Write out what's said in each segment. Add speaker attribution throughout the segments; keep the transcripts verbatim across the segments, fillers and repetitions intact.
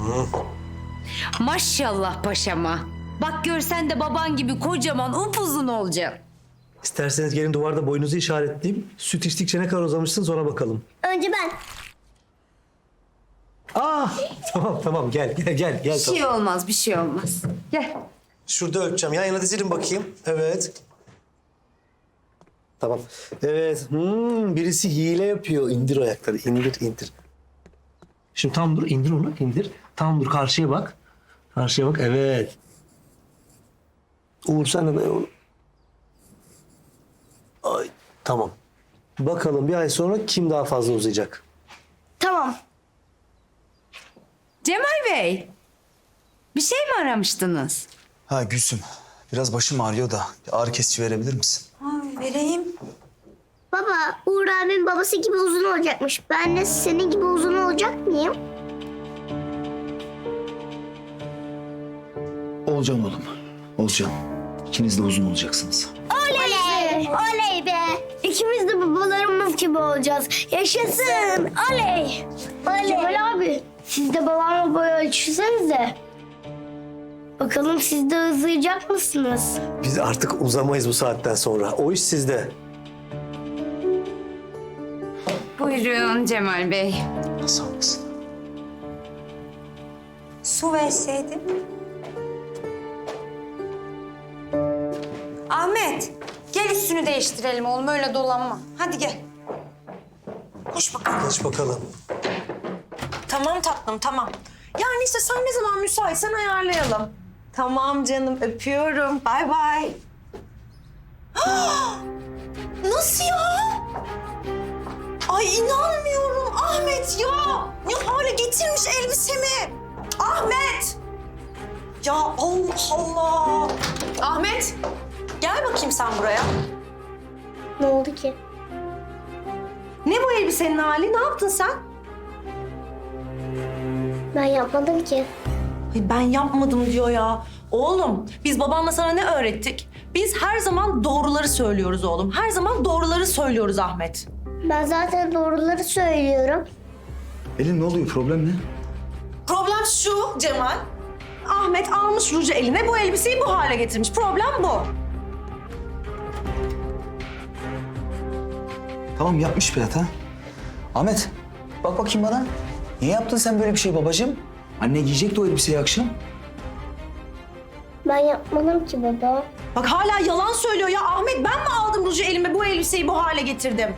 Speaker 1: Maşallah paşama. Bak görsen de baban gibi kocaman upuzun olacaksın.
Speaker 2: İsterseniz gelin duvarda boyunuzu işaretleyeyim. Süt içtikçe ne kadar uzamışsınız ona bakalım.
Speaker 3: Önce ben.
Speaker 2: Aa, tamam tamam gel gel gel. gel
Speaker 1: Bir şey olmaz, bir şey olmaz. Gel.
Speaker 2: Şurada ölçeceğim. Yan yana dizilin bakayım. Evet. Tamam. Evet. Hmm, birisi hile yapıyor. İndir ayakları. İndir, indir. Şimdi tam dur. İndir onu. İndir. Tam dur. Karşıya bak. Karşıya bak. Evet. Uğur sen de dayan onu. Ay, tamam. Bakalım bir ay sonra kim daha fazla uzayacak?
Speaker 3: Tamam.
Speaker 1: Cemal Bey, bir şey mi aramıştınız?
Speaker 4: Ha Gülsüm, biraz başım ağrıyor da bir ağrı kesici verebilir misin?
Speaker 1: Vereyim.
Speaker 3: Baba, Uğur abinin babası gibi uzun olacakmış. Ben de senin gibi uzun olacak mıyım?
Speaker 4: Olacağım oğlum, olacağım. İkiniz de uzun olacaksınız.
Speaker 3: Oley! Oley be! İkimiz de babalarımız gibi olacağız. Yaşasın! Oley! Oley! Cemal abi, siz de babamla boy ölçüsenize. Bakalım siz de uzayacak mısınız?
Speaker 2: Biz artık uzamayız bu saatten sonra. O iş sizde.
Speaker 1: Buyurun Cemal Bey.
Speaker 4: Sağ olasın.
Speaker 5: Su verseydin. Ahmet, gel üstünü değiştirelim oğlum. Öyle dolanma. Hadi gel. Koş bakalım.
Speaker 2: Geç bakalım.
Speaker 5: Tamam tatlım, tamam. Yani işte sen ne zaman müsaitsen ayarlayalım. Tamam canım, öpüyorum. Bay bay. Nasıl ya? Ay inanmıyorum Ahmet ya. Ne hale getirmiş elbisemi. Ahmet. Ya Allah Allah. Ahmet, gel bakayım sen buraya.
Speaker 3: Ne oldu ki?
Speaker 5: Ne bu elbisenin hali? Ne yaptın sen?
Speaker 3: Ben yapmadım ki.
Speaker 5: Ay ben yapmadım diyor ya. Oğlum biz babanla sana ne öğrettik? Biz her zaman doğruları söylüyoruz oğlum. Her zaman doğruları söylüyoruz Ahmet.
Speaker 3: Ben zaten doğruları söylüyorum.
Speaker 4: Elin ne oluyor, problem ne?
Speaker 5: Problem şu Cemal. Ahmet almış ruju eline bu elbiseyi bu hale getirmiş. Problem bu.
Speaker 4: Tamam yapmış bir hata. Ahmet, bak bakayım bana. Niye yaptın sen böyle bir şey babacığım? Anne giyecekti o elbiseyi akşam.
Speaker 3: Ben yapmadım ki baba.
Speaker 5: Bak hala yalan söylüyor ya. Ahmet ben mi aldım ruju elime bu elbiseyi bu hale getirdim?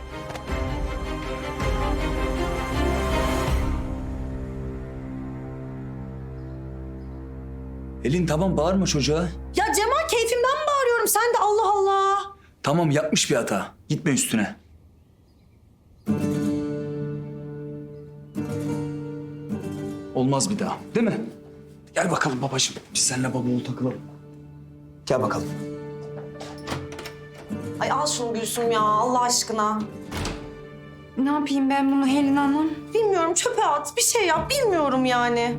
Speaker 4: Elin tamam bağırma çocuğa.
Speaker 5: Ya Cemal keyfimden mi bağırıyorum? Sen de Allah Allah.
Speaker 4: Tamam yapmış bir hata. Gitme üstüne. Olmaz bir daha, değil mi? Gel bakalım babacığım. Biz seninle baba oğul takılalım. Gel bakalım.
Speaker 5: Ay al şunu Gülsüm ya Allah aşkına.
Speaker 1: Ne yapayım ben bunu Helin Hanım?
Speaker 5: Bilmiyorum çöpe at bir şey yap bilmiyorum yani.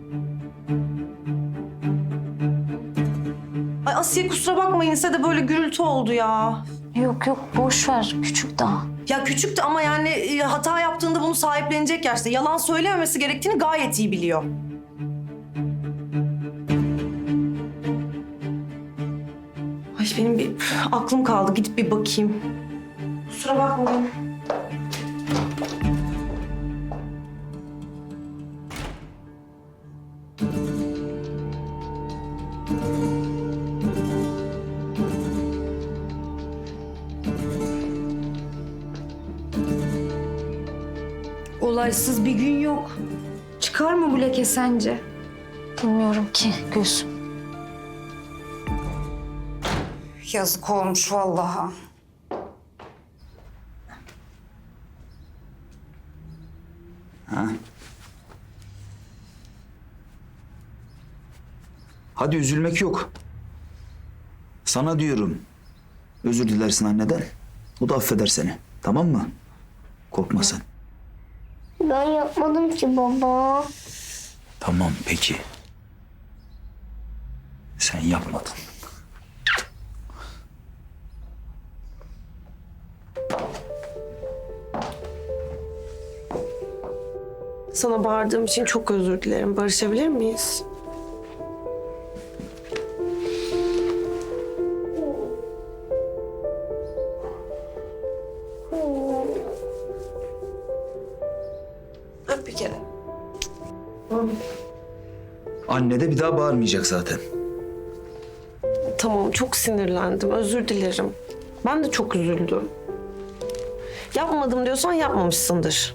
Speaker 5: Ay Asiye kusura bakmayın size de böyle gürültü oldu ya.
Speaker 6: Yok yok boş ver küçük daha.
Speaker 5: Ya küçüktü ama yani e, hata yaptığında bunu sahiplenecek yaşta. Yalan söylememesi gerektiğini gayet iyi biliyor. Ay benim bir aklım kaldı gidip bir bakayım. Kusura bakmayın.
Speaker 1: Olaysız bir gün yok. Çıkar mı bu leke sence?
Speaker 6: Bilmiyorum ki Gülsüm.
Speaker 1: Yazık olmuş vallahi.
Speaker 4: Hadi üzülmek yok. Sana diyorum. Özür dilersin anneden. O da affeder seni. Tamam mı? Korkma sen.
Speaker 3: Ben yapmadım ki baba.
Speaker 4: Tamam peki. Sen yapmadın.
Speaker 7: Sana bağırdığım için çok özür dilerim. Barışabilir miyiz? Öp bir kere.
Speaker 4: Anne de bir daha bağırmayacak zaten.
Speaker 7: Tamam, çok sinirlendim. Özür dilerim. Ben de çok üzüldüm. Yapmadım diyorsan yapmamışsındır.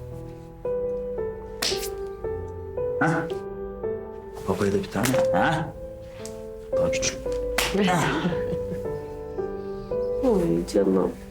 Speaker 4: Hah. Babaya da bir tane. Ha? Daha küçük.
Speaker 7: Oy canım.